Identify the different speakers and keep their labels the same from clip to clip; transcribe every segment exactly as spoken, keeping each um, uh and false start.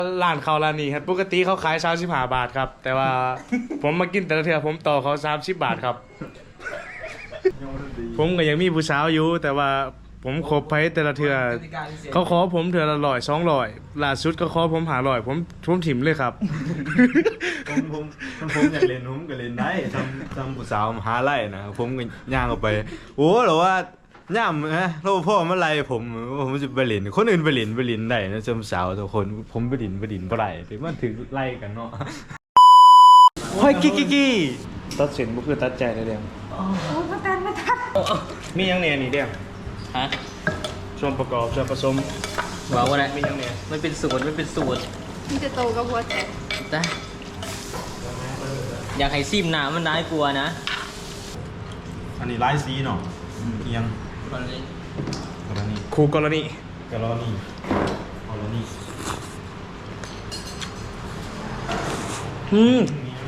Speaker 1: ร้านเขาร้านนี้ครับปกติเขาขายสามสิบห้าบาทครับแต่ว่า ผมมากินแต่ละเทื่อผมต่อเขาสามสิบบาทครับ ผมก็ยังมีผู้สาวอยู่แต่ว่าผมคบไปแต่ละเทื่อเขาขอผมเทื่อละร้อยสองร้อยล่าสุดก็ขอผมหาร้อยผมผมถิ่มเลยครับ
Speaker 2: ผมผมผมผมอยากเล่นผมก็เล่นได้ทำทำผู้สาวมหาไล่นะผมก็ย่างออกไปโอ้หรอว่าย่ามนะเราพ่อมาไล่ผมผมจะไปเล่นคนอื่นไปเล่นไปเล่นได้นะจำสาวทุกคนผมไปเล่นไปเล่นบ่ได้แต่มันถึงไล่กันเนาะเฮ้ยกิ๊กกิ๊ก
Speaker 1: ตัดสินบ่คือตัดใจได้เดียว
Speaker 3: โอ้พระตันมาทัด
Speaker 1: มียังเนี่ยนี่เดียว
Speaker 4: ฮะ
Speaker 1: ส่วนประกอบส่วนผสม
Speaker 4: บอกว่าอะไร
Speaker 1: มียังเนี่ย
Speaker 4: มันเป็นสูตรมันเป็นสูตร
Speaker 3: มันจะโตกับหัวแตก
Speaker 4: แต่อยากให้ซิมหนามันน่ากลัวนะ
Speaker 2: อันนี้ไล่ซีเนาะเอียงกรณี
Speaker 1: คู่กรณี
Speaker 2: กรณีกรณี
Speaker 1: อืม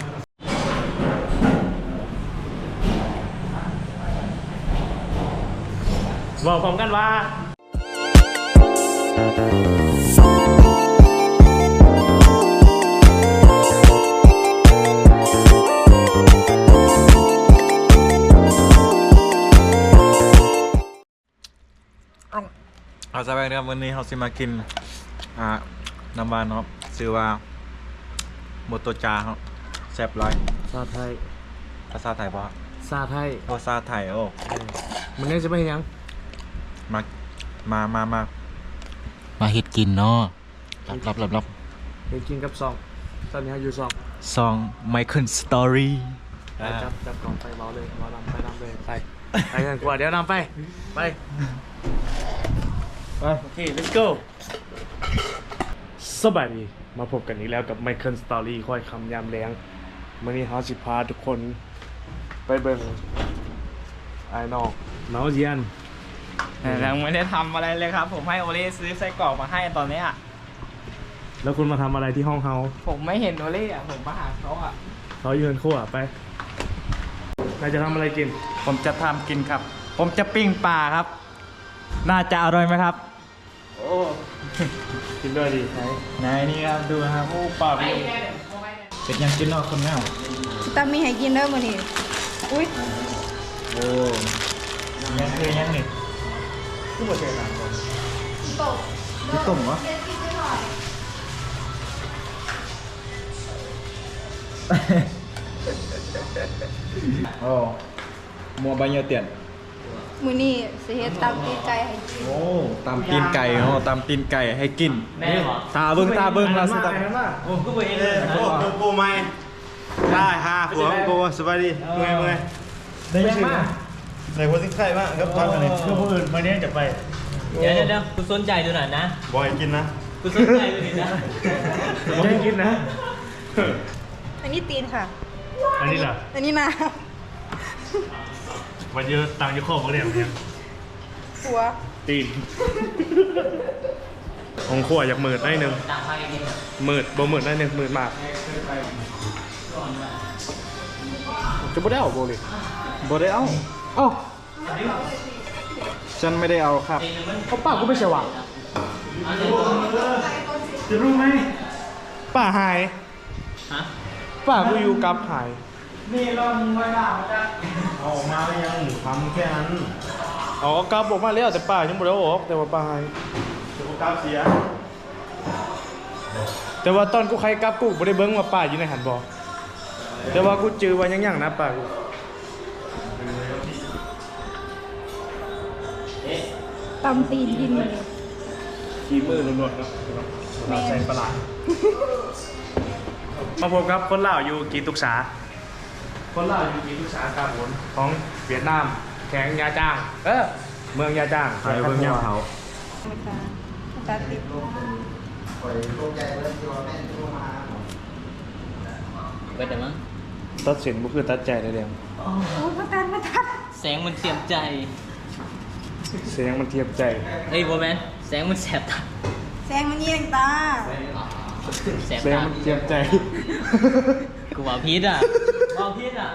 Speaker 1: บอกพร้อมกันว่า
Speaker 2: เอาสบายครับวันนี้เราสิมากินอ่าน้ำบานเนาะชื่อว่าโมโตจาครับแซ่บร้อย
Speaker 1: ซาไทย
Speaker 2: ภาษาไทยปะ
Speaker 1: ซาไทย
Speaker 2: ภาษาไทยโอ้
Speaker 1: มันนี่จะไม่เห็นยัง
Speaker 2: มามามามา
Speaker 4: มาเฮ็ดกินเนาะรับรับรับรับ
Speaker 1: เห็นกินกับซองตอนนี้อยู่ซอง
Speaker 4: ซองไมเคิลสตอรี่
Speaker 1: ไปจับจับกล่องไปเบาเลยเบานำไปนำเลยไปไปกันกว่าเดี๋ยวนำไปไปไปโอเค let's go สบายดีมาพบกันอีกแล้วกับ Michael Story ค่อยคำยามแรงมื่อนี้เขาสิพาทุกคนไปเบิ่งไอ้นอกเนาเยียน
Speaker 5: ยังไม่ได้ทำอะไรเลยครับ ผมให้โอเล่ซื้อไส้กรอกมาให้ตอนเนี้ย
Speaker 1: แล้วคุณมาทำอะไรที่ห้องเฮา
Speaker 5: ผมไม่เห็นโอเล่อะผมมาหาเขาอะ
Speaker 1: เขายืนขั้วไปนายจะทำอะไรกิน
Speaker 5: ผมจะทำกินครับ ผมจะปิ้งปลาครับ น่าจะอร่อยไหมครับ
Speaker 1: โอ้กินด้วยดีไหน
Speaker 5: ไหนนี่ครับดูนะครับโอ้ปลาเป็นเป็นยังกินนอกคนแมว
Speaker 3: ตามีให้กินเด้อมื้อนี้อุ้ย
Speaker 5: โอ้ยังคือยังนี่
Speaker 1: ทุกประเทศต่างกัน
Speaker 3: ตก
Speaker 5: พี่ตุ่มวะโอ้มัวใบเยอะเตียน
Speaker 3: มื้อนี้สิเฮ็ดตำตีนไก่ให้กิน
Speaker 2: โอ้ตำตีนไก่เนาะตำตีนไก่ให้กิน
Speaker 4: แน่หรอ
Speaker 2: ตาเบิ้งตาเบิ้ง
Speaker 1: เรา
Speaker 2: เรา
Speaker 1: สิ
Speaker 2: สิ
Speaker 1: ตา
Speaker 2: ตำ
Speaker 1: มาก
Speaker 4: โอ้ก็ไปเองเลย
Speaker 2: โอ้โหโปไหมได้ฮ่าหัวโปสบายดีเมื่อยเมื่อย
Speaker 1: ได้ยังมาก
Speaker 2: ใส่หัวซิงไข่มากครับพักอันนี้
Speaker 1: คือผู้อื่นมาเนี้ยจะไป
Speaker 4: เดี๋ยวเดี๋ยวเดี๋ยวคุณสนใจดูหน่อยนะ
Speaker 2: บอยกินนะ
Speaker 4: คุณสนใจดูหน่อยนะ
Speaker 1: จะให้กินนะ
Speaker 3: อันนี้ตีนค่ะ
Speaker 1: อันนี้ล่ะ
Speaker 3: อันนี้นา
Speaker 1: วันเยอะตังค์จะครอบกันเนี่ยเนี่ย
Speaker 3: หัว
Speaker 1: ตีนของขั้วอยากหมื่นได้หนึ่ง
Speaker 4: ต่างพากันกินอะ
Speaker 1: หมื่นบ่หมื่นได้หนึ่งหมื่นมากจะบ่ได้เอาโบเลย
Speaker 2: บอได้เอา
Speaker 1: เอ้า
Speaker 2: ฉันไม่ได้เอาครับ
Speaker 1: เขาป้ากูไม่สว่างจะรู้ไหมป้าหาย
Speaker 4: ฮะ
Speaker 1: ป้ากูอยู่กับหาย
Speaker 5: นี่เรามึงไว้ด่าจ้ะ
Speaker 2: เอาออกมาแล้วยังทำแค่นั้น
Speaker 1: อ๋อกลับออกมาแล้วแต่ป้ายังบ่ได้เอาออกแต่ว่าป้าหาย
Speaker 2: สุขภาพเสีย
Speaker 1: แต่ว่าตอนกูใครกลับกูบ่ได้เบิ่งว่าป้าอยู่ในหันบ่แต่ว่ากูจือว่ายังๆนะป้ากู
Speaker 3: ตำตีนกินมื้อนี้
Speaker 1: ขี้มือล้วนๆครับเราใส่ปลาร้ามาพบกับคนลาวอยู่กีตุกษาคนลาวอยู่กีตุกษาครับผมของเวียดนามแข็งยาจ้าง เออเมืองยาจ้าง
Speaker 2: ใครเบิ่งย่ำเขา
Speaker 3: มาตามาตาติด
Speaker 4: ไปแต่มั้ง
Speaker 1: ตัดสินบ่คือตัดใจได้เดียว
Speaker 3: โอ้พระตันมาทัด
Speaker 4: แสงมันเสียบใจ
Speaker 1: เสียงมันเทียบใจ
Speaker 4: เอ้ยโบแมนแสงมันแสบตา
Speaker 3: แซงมันเยียงตา
Speaker 4: แสบ
Speaker 1: เสียง
Speaker 4: ตา
Speaker 1: มันเทียบใจ
Speaker 4: กูว่าพิษอ่ะว่าพิษอ่ะ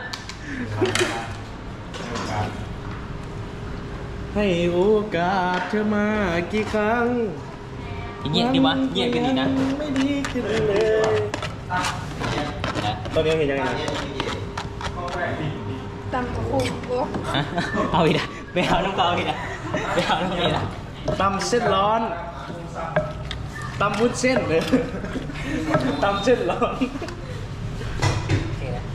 Speaker 1: ให้โอกาสเธอมากี่ครั้ง
Speaker 4: เงียบดีวะเงียบกันดีนะ
Speaker 1: ไม่ดีขึ้นเลย
Speaker 4: นะ
Speaker 1: ตอนนี้เห็นยังไงนะ
Speaker 3: ตำกับคุกโอ้
Speaker 4: ฮะเอาอีกนะไปเอาน้ำเปล่าอีกนะไปเอาน้ำอีกนะ
Speaker 1: ตำเส้นร้อนตำวุ้นเส้นเลยตำเส้นร้อน
Speaker 4: โอเคนะ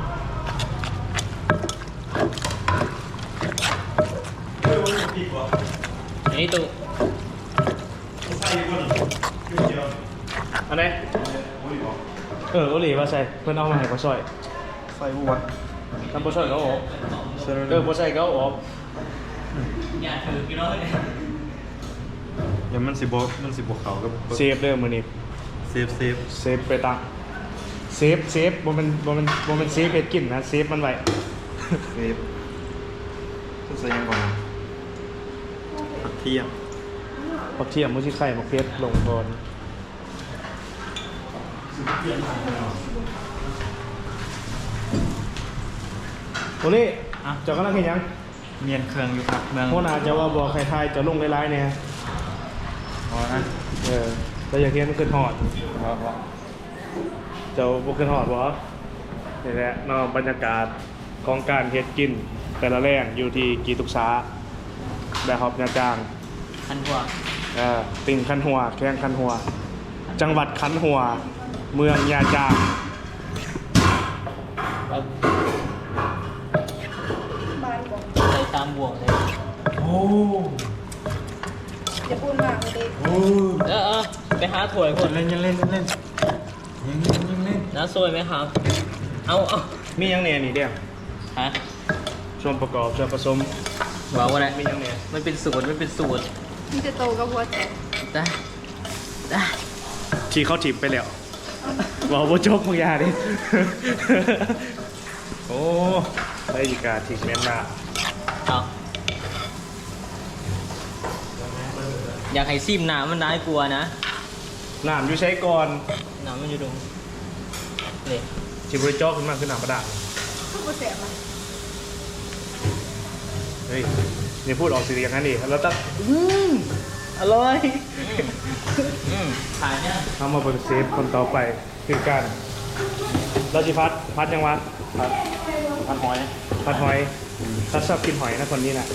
Speaker 4: อันนี้ตู้
Speaker 1: อันไหนเออโอหลีมาใส่เพื่อนเอามาให้เขาซอย
Speaker 2: ใส่บัว
Speaker 1: ทำโปรซอยเขาออกเออโปรซอยเขาออก
Speaker 4: อย่าถือกี่ร้อยเลย
Speaker 2: อย่ามันสิบมันสิบเขากับ
Speaker 1: เซฟเด้อมือนี้
Speaker 2: เซฟเซฟ
Speaker 1: เซฟไปตังเซฟเซฟบ่แมันบ่แมันบ่แมันเซฟเฮ็ดกินนะเซฟมันไว้
Speaker 2: เซฟต้องใส่ยังก่อนผักเทียม
Speaker 1: ผักเทียมมุ้ชิไข่ผักเพชรลงก่อนโอเล่
Speaker 5: อ่ะ
Speaker 1: เจ้ากำลังเห็นยัง
Speaker 5: เมียนเครื่องอยู่ครับเมือง
Speaker 1: โคนาจะว่าบอกใครทายจะลงไลน์ๆเนี่ย
Speaker 5: พอนะ
Speaker 1: เออแต่อยากเห็นมันขึ้นหอด
Speaker 5: พอพอ
Speaker 1: เจ้าบุขึ้นหอดวะนี่แหละเนอกบรรยากาศของการเฮ็ดกิน แต่ละแรงอยู่ที่กีตุกษาแบบฮอบนาจาง
Speaker 4: พันกว่า
Speaker 1: เออติ่งคันหัวแข้งคันหัว จังหวัดคันหัว เมืองยาจาง
Speaker 4: เอา
Speaker 3: บานบอก
Speaker 4: ใส่ตามบ่วงเลย
Speaker 1: โอ้
Speaker 3: อย่าพูดมากเลยดิ
Speaker 1: โอ้
Speaker 4: เออเออไปหาถ้วยคน
Speaker 5: เล่นยังเล่นเล่นยังเล่นยังเล่น
Speaker 4: น้าซวยไหมครับ เอาเอา
Speaker 1: มียังเนี่ยนี่เดียว
Speaker 4: ฮะ
Speaker 1: ส่วนประกอบส่วนผสม
Speaker 4: บอกว่าอะไร
Speaker 1: มียังเนี่ย
Speaker 4: มันเป็นสูตรมันเป็นสูตร
Speaker 3: มันจะโตกับหัวใจ
Speaker 4: ได้ได้
Speaker 1: ขี่เข้าถิบไปแล้วบอกว่าโจกมึงอยาดิ โอ้ได้ดีกาถิกแม่นมาก
Speaker 4: เอาอยากให้ซิมน้ำมันน่ากลัวนะ
Speaker 1: น้ำอยู่ใช้ก่อน
Speaker 4: น้ำมันอยู่ตรงนี่
Speaker 1: ชิบริจอกขึ้นมาขึ้นน้ำประดา
Speaker 3: ข้าวโพดแสบอ่ะ
Speaker 1: เฮ้ยนี่พูดออกเสียงอย่างนั้นดิแล้วตั้งอืมอร่อย
Speaker 4: อืมขายเนี่ย
Speaker 1: ทำมาเป็นเซฟคนต่อไปคือกันเราจิพัดพัดยังวะพัด
Speaker 5: พันหอย
Speaker 1: พัดหอยถ้าชอบกินหอยนะคนนี้น่ะ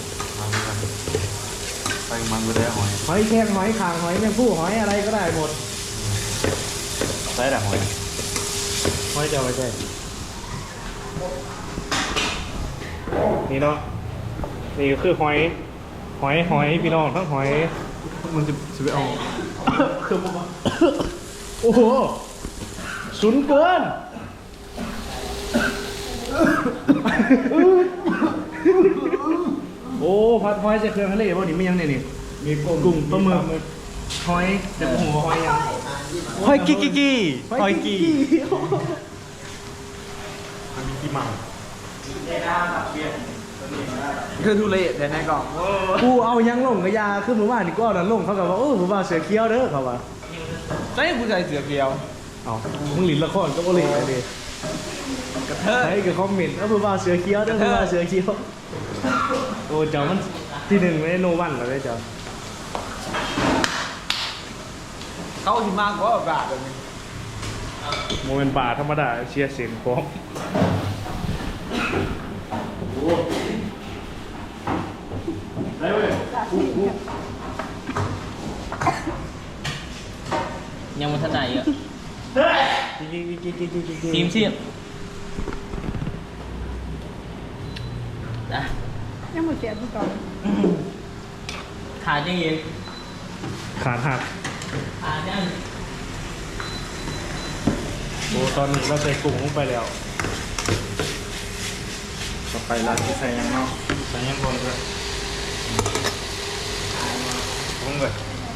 Speaker 2: ใส่มันไปได้หอย
Speaker 1: หอยแครงหอยคางหอยแมงผู้หอยอะไรก็ได้หมด
Speaker 2: ใส่แต่หอย
Speaker 1: หอยจะเอาไว้ใช่นี่เนาะนี่ก็คือหอยหอยหอยพี่น้องทั้งหอย
Speaker 2: มันจะจะไปเอา
Speaker 1: คือผมโอ้โหสุนเกิน โอ้พัดหอยใส่เครื่องทะเลบ่นี่ไม่ยังเนี่ยนี่มีกุ้งปลาหมึกหอยเดี๋ยวผมหัวหอยยัง
Speaker 5: หอยกี้กี้กี้หอยกี้
Speaker 2: มันมีกี่หม่
Speaker 5: คือทุเรศแต่ในกล่อง
Speaker 1: กูเอายังลงกระยาคือหมู่บ้านนี่ก็เอานั่นลงเขากับว่าเออหมู่บ้านเสือเคี้ยวเด้อเขาว่า
Speaker 5: ใช่ผู้ชายเสือเกียว
Speaker 1: เอามึงหลินละครก็บ่หลินเลยดิ
Speaker 5: กระเทย
Speaker 1: ใช้กับคอมเมนต์เออหมู่บ้านเสือเคี้ยวเด้อหมู่บ้านเสือเคี้ยวโอ้เจ้ามันที่หนึ่งไม่ได้โนวันเหรอเด้อเจ้า
Speaker 5: เขาที่มากกว่าบาทเลย
Speaker 1: โมเมนต์ป่าธรรมดาเชียร์เสียงพร้อม
Speaker 4: ยังมันทันไหนเยอะทีมเชียบนะ
Speaker 3: ยังหมดเสียทุกกล่อง
Speaker 4: ขาดยังยิง
Speaker 1: ขาดหัก
Speaker 4: ขาดยัง
Speaker 1: โอ้ตอนนี้เราใส่กุ้งลงไปแล้ว
Speaker 2: ต่อไปร้านที่ใส่ยังเนาะ
Speaker 1: ใส่ยังบนเลย
Speaker 2: พุ่งเลย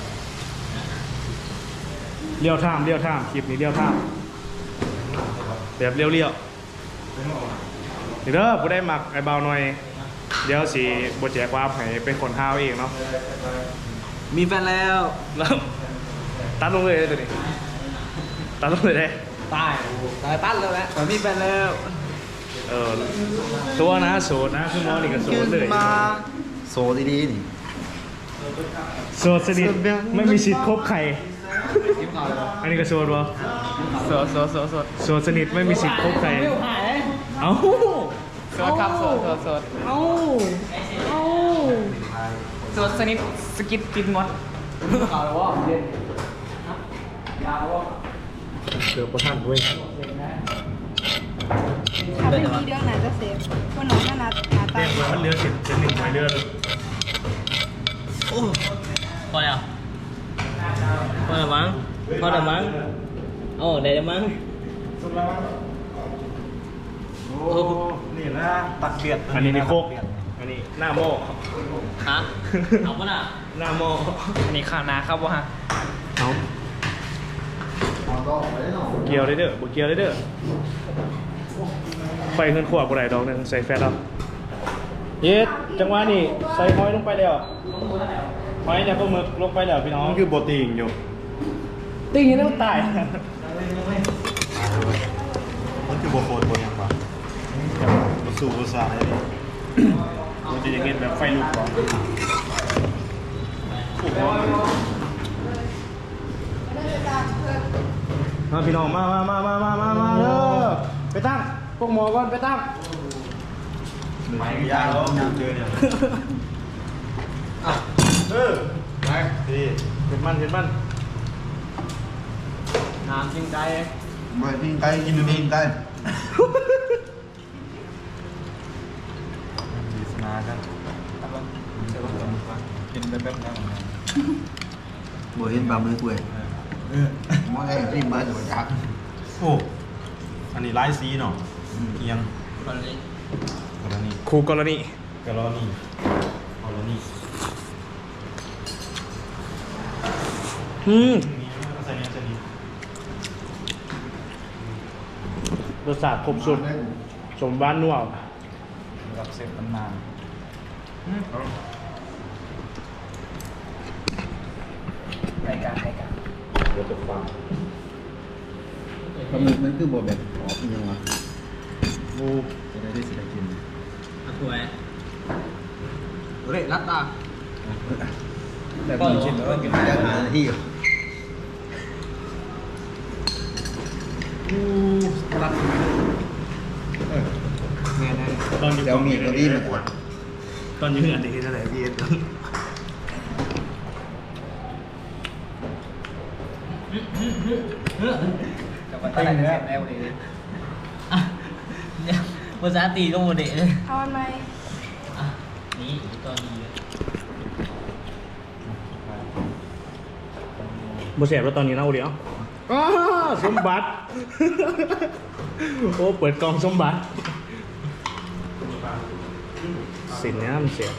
Speaker 1: เลี้ยวท่ามเลี้ยวท่ามคลิปนี้เลี้ยวท่ามแบบเลี้ยวเลี้ยวเดี๋ยวเด้อผู้ได้หมักไอ้เบาหน่อย เดี๋ยวสีบทแจกความให้เป็นคนห้าวเองเนาะ
Speaker 5: มีแฟนแล้ว
Speaker 1: แล้วตัดลงเลยตัวนี้ตัดลงเลยได้
Speaker 5: ตายตายตั้นแล้วแหละแต่มีแฟนแล้ว
Speaker 1: เออตัวนะโสดนะคือหมอนี่ก็โสดเลย
Speaker 2: โซดีๆนี่
Speaker 1: โสดสนิทไม่มีสิทธิ์คบใครอันนี้ก็โสดวะ
Speaker 5: สดสดสดสด
Speaker 1: โสดสนิทไม่มีสิทธิ์คบใครเอ้า
Speaker 5: สดครับสดสดสด
Speaker 1: เอ้าเอ้า
Speaker 5: สดสนิทสกิดกินหมดเอาแล้ววะเด่นยาววะ
Speaker 1: เกือบประทันด้วย
Speaker 3: ถ้าเป็นมีเรื่องไหนจะเซฟวันน้องก็นัดหาตา
Speaker 1: เรียกว่ามันเรือเจ็ดเจ็ดหนึ่งไม้เรือเลย
Speaker 4: โอ้พอแล้วพอแล้วมั้งพอแล้วมั้งโอ้ได้แล้วมั้ง
Speaker 2: โอ้นี่นะตักเบียด
Speaker 1: อันนี้นี่โคกอันนี้หน้าหม้อ
Speaker 4: ฮะเอาปะน่ะ
Speaker 1: หน้าหม้อ
Speaker 5: อันนี้ข้าวนาครับวะฮะ
Speaker 1: เอาเกียวได้เด้อบ่เกียวได้เด้อไฟขึ้นขวบกูได้ดอกหนึงใส่แฟตเอาเย็ดจังหวะนี้ใส่หอยลงไปแล้วหอยแล้วก็หมึกลงไปแล้วพี่น้อง
Speaker 2: มันคือโปรตีนอยู่
Speaker 1: ติ้งอยังต้องตาย
Speaker 2: มันคือโบโฟนโบยังปะสู่ภาษาอะไรนี่
Speaker 1: มันจะยังเห็นแบบไฟลุกก่อนมาพี่น้องมามามามามามามาเด้อไปตั้งพวกหมอก่อนไปตั้ง
Speaker 2: ไม่ยากแล้วเจอเนี่ยเออไปดี
Speaker 1: เห็นมันเห็นมัน
Speaker 5: น้ำจริงใจ
Speaker 2: มาปิ้งไก่กินดูปิ้งไก่ดีสนากันกินไปแป๊บนึง
Speaker 6: บ่เห็นบามือกูเองมองไงที่มาจากจัก
Speaker 2: โอ้อันนี้ไลท์ซีเนาะเอียง
Speaker 4: คนนี้
Speaker 2: กรณี
Speaker 1: ครูกรณี
Speaker 2: กรณีกรณี
Speaker 1: อืม
Speaker 2: มีใส่เนี้ยใส่นี้
Speaker 1: รสชาติครบสุดสมบ้านนัว
Speaker 5: กับเสพมันนานรายการรายการ
Speaker 2: เดี๋ยวจะฟัง
Speaker 6: ปลาหมึกมันคือบ่แบบออกยังวะ
Speaker 1: โอ้
Speaker 6: จะได้ได้สิได้กิน
Speaker 4: เอาถ้วย
Speaker 5: เร่รัดตา
Speaker 6: แต่ผมกินแล้วกินได้หาที่อยู่
Speaker 5: รัดเงี้ยนะ
Speaker 1: ตอนอยู่
Speaker 6: เดี๋ยวมีตัวนี้มาก่อน
Speaker 1: ตอนอยู่อันนี้เท่าไหร่พี่เอ็ด
Speaker 5: กับมันตั้งแต่แนวนี้
Speaker 4: อ่ะเนี่ยภาษาตีก็โมเดลเลย
Speaker 3: เอาอันไหม
Speaker 4: อ่ะนี่ตัวนี้เลย
Speaker 1: บ่แสบแล้วตอนนี้เน่าเดียวอ้าสมบัติ โอ้เปิดกล่องสมบัติสินเนี้ยมันเสีย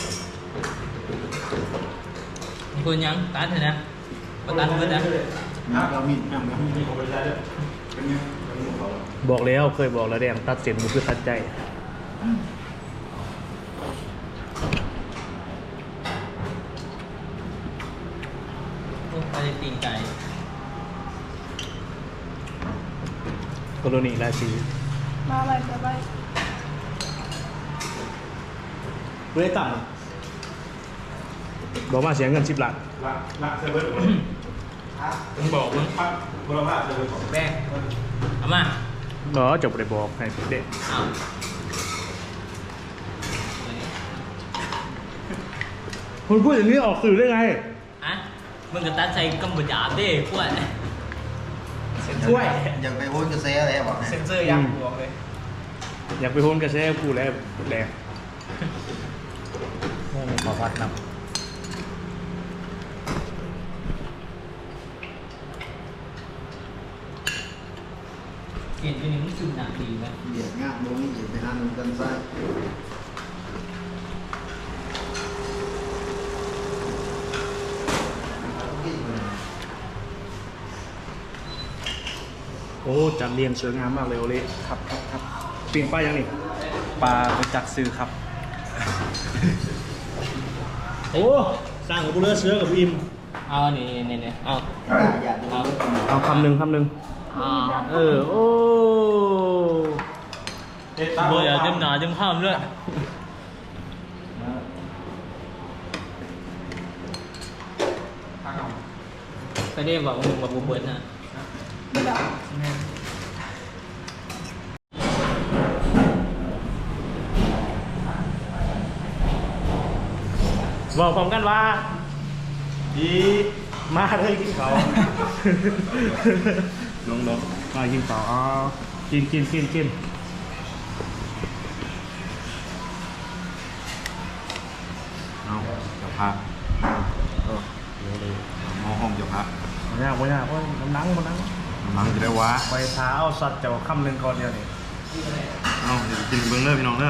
Speaker 4: คุณยังตัดเถอะนะมาตัดเพื่อนนะ
Speaker 6: น้ำเรามีน้ำ
Speaker 1: บอกแล้วเคยบอกแล้วแดงตัดเสียนมันคือตัดใจ
Speaker 4: โอ้ไปตีนไก่
Speaker 1: กรณีราชี
Speaker 3: มาไปจะไป
Speaker 1: เพื่อต่ำบอกมาเสียเงินสิบล้าน
Speaker 2: ละละเซเว่น
Speaker 1: มึงบอกมึง
Speaker 2: พักบุรพาเซเว่นของ
Speaker 5: แม่
Speaker 4: เอามา
Speaker 1: เออจบเลยบอกให้เด็ก
Speaker 4: เอา
Speaker 1: คุณพูดอย่างนี้ออกสื่อได้ไง
Speaker 4: อ่ะมึงก็ตัดใส่กำบุญหยาบดิพวก
Speaker 5: ช่วย
Speaker 6: อยากไปโอนกระแสอะไรบอก
Speaker 5: เซ็นเซอร์ยังบวกเลย
Speaker 1: อยากไปโฮนกระแสกูแล้วแรง
Speaker 5: ขอพัดนำ
Speaker 4: เห็นเป็นอย่างนี้คือหนักดีไหม
Speaker 6: เบียดงาบลงนี่ไปหาหนุ่มกันไส้
Speaker 1: โอ้จัดเรียงสวยงามมากเลยโอเล่
Speaker 5: ครับครับครับ
Speaker 1: ปีนป้ายยังนี่
Speaker 5: ปลาไปจักซื้อครับ
Speaker 1: โอ้สร้างกับบุเรือเสือกับอิม
Speaker 4: เอานี่นี่นี่เอา
Speaker 6: อย่าดู
Speaker 4: เอา
Speaker 1: เอาคำหนึ่งคำหนึ่ง
Speaker 4: เอา
Speaker 1: เออโอ้
Speaker 4: เบื่อเต็มหนาเต็มข้ามเลยไปได้บอกมึงบอกบุเบิร์ดนะ
Speaker 1: บอกพร้อมกันว่าดีมาเลยกินเขาลงลงมากินเขาอ๋อกินกินกินกิน
Speaker 2: เอาเจ้าพระเออเดี๋ยวเลยมองห้องเจ้าพระ
Speaker 1: ไม่ยากไม่ยากโอ้ยน้ำนังมันนัง
Speaker 2: มังจะได้วะ
Speaker 1: ไปเท้าสัตว์เจ้าคำหนึ่งก่อนเดียวนี่
Speaker 2: เอาเดี๋ยวกินเบิ้งเลยพี่น้องเด้อ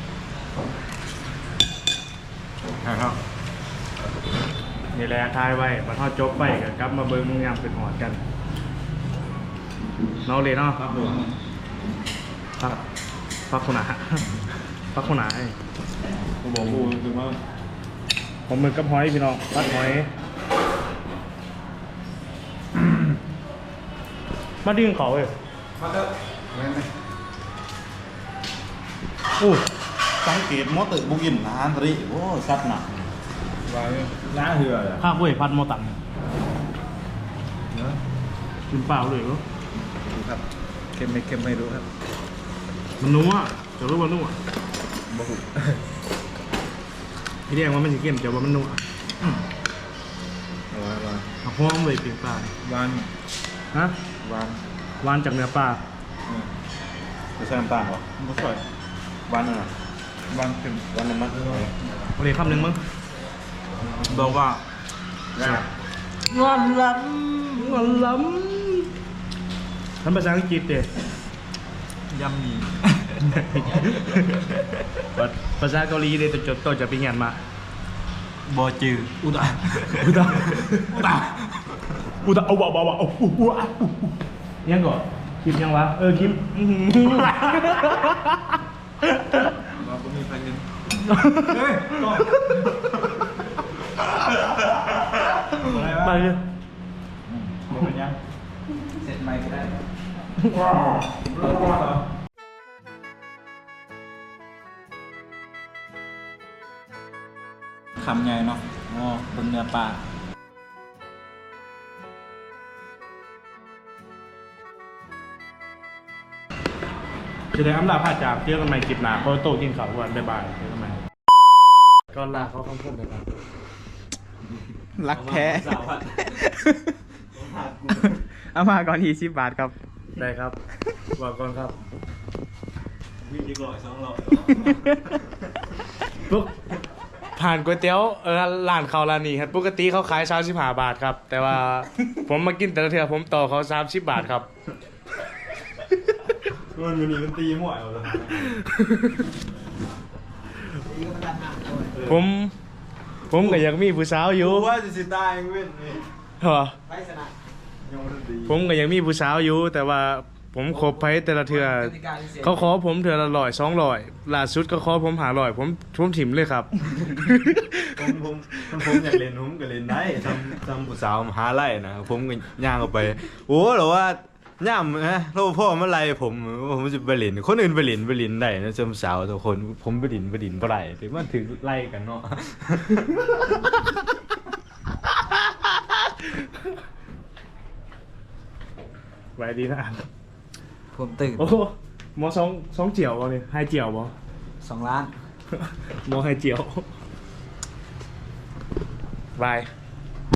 Speaker 2: ครับ
Speaker 1: นี่แหละทายไว้มาทอดจบไปกันกลับมาเบิ้งยามเป็นหอดกันน้องเลยเนาะ
Speaker 2: ครับผม
Speaker 1: พักพักคนหนาพักคนหนาให้
Speaker 2: ผมบอกกูคือว่า
Speaker 1: ผมมือกับหอยพี่น้องพัดหอยมาดึงเขาเลย
Speaker 2: มาเด้อแม่นไหม
Speaker 1: อู้
Speaker 6: สังเกตมอเตอร์บุกินอาหารทะเลโอ้สัตว์หนัก
Speaker 2: ไว้หน้าเหือเลย
Speaker 1: ข้าวเว้ยพัดโมตังกินเปล่าเลยเหรอ
Speaker 2: ดูครับเค็มไม่เค็มไม่รู้ครับ
Speaker 1: มันนัวจะรู้ว่านัว
Speaker 2: บ่หู
Speaker 1: พี่เรียกว่ามันจะเค็มจะว่ามันนัว
Speaker 2: เอาไว้ไว้
Speaker 1: เอาหอมเลยเปลี่ยนปลา
Speaker 2: หวาน
Speaker 1: ฮะ
Speaker 2: หวาน
Speaker 1: หวานจากเนื้อปลา
Speaker 2: เออจะใส่น้ำตาลเหรอไม่ใส่หวานน่ะหวานเค็มหวานน้ำมัน
Speaker 1: โอเคคำหนึ่งมั้ง
Speaker 2: บอกว่า
Speaker 1: งอนล้ำงอนล้ำทำภาษาอังกฤษเด็
Speaker 2: ยำหมี่
Speaker 1: ภาษาเกาหลีเด็ตัวจดตัวจะไปเงียนมา
Speaker 2: บอจืออุตะ
Speaker 1: อุตาอุตาอุตาเอาวะวะวะเอาอู้อู้อ่ะอู้ยังก่อนคลิปยังวะเออคลิปอื้อหือ
Speaker 2: เราก็มีแฟนกันเฮ้ยต่ออะไรวะ
Speaker 1: มาเลย
Speaker 2: มันเป็นยังเสร็จไหมก็ได้คำใหญ่เนาะอ๋อบนเนื้อปลา
Speaker 1: จะได้อำลาพาจากเจอกันใหม่คลิปหน้าเพราะโตกินข้าววันบ๊ายบายเจอกันใหม่ก่อนลาเขาคำพูดเลยครับ
Speaker 5: รักแท้ เอามาก่อนทีสิบบาทครับ
Speaker 1: ได้ครับบอกก่อนครับ
Speaker 2: วิ่งดีกว่าสองรอบ
Speaker 1: ปุ๊บผ่านก๋วยเตี๋ยวเออร้านเขาร้านนี้ครับปกติเขาขายสามสิบห้าบาทครับ แต่ว่า ผมมากินแต่ละเทือผมต่อเขาสามสิบบาทครับ
Speaker 2: มันมันนี่มันตีมั่วเอาเลย
Speaker 1: ผม ผมก็อยากมีผู้สาวอยู่
Speaker 2: รู้ว่าจะสิตายเองเว้นนี่
Speaker 1: เหรอ
Speaker 2: ยังไม่ได้ดี
Speaker 1: ผมก็ยังมีผู้สาวอยู่ แต่ว่าผมคบไปแต่ละเทือเขาขอผมเทือละร้อยสองร้อยล่าสุดก็ขอผมหาร้อยผมผมถิ่มเลยครับ
Speaker 2: ผมผมผมผมอยากเล่นผมก็เล่นได้ทำทำผู้สาวมหาไล่นะผมก็ย่างออกไป โอ้หรอว่าย่ามนะเราพ่อมาไล่ผมผมจะไปเล่นคนอื่นไปเล่นไปเล่นได้นะจำสาวทุกคนผมไปเล่นไปเล่นไปไล่ถึงมันถึงไล่กันเนาะ
Speaker 1: ไว้ดีนะอ่าน
Speaker 5: ผมตื่น
Speaker 1: โอ้โหหมอสองสองเจียวบ่เนี่ยให้เจียวบ่
Speaker 5: สองล้าน
Speaker 1: หมอให้เจียวบาย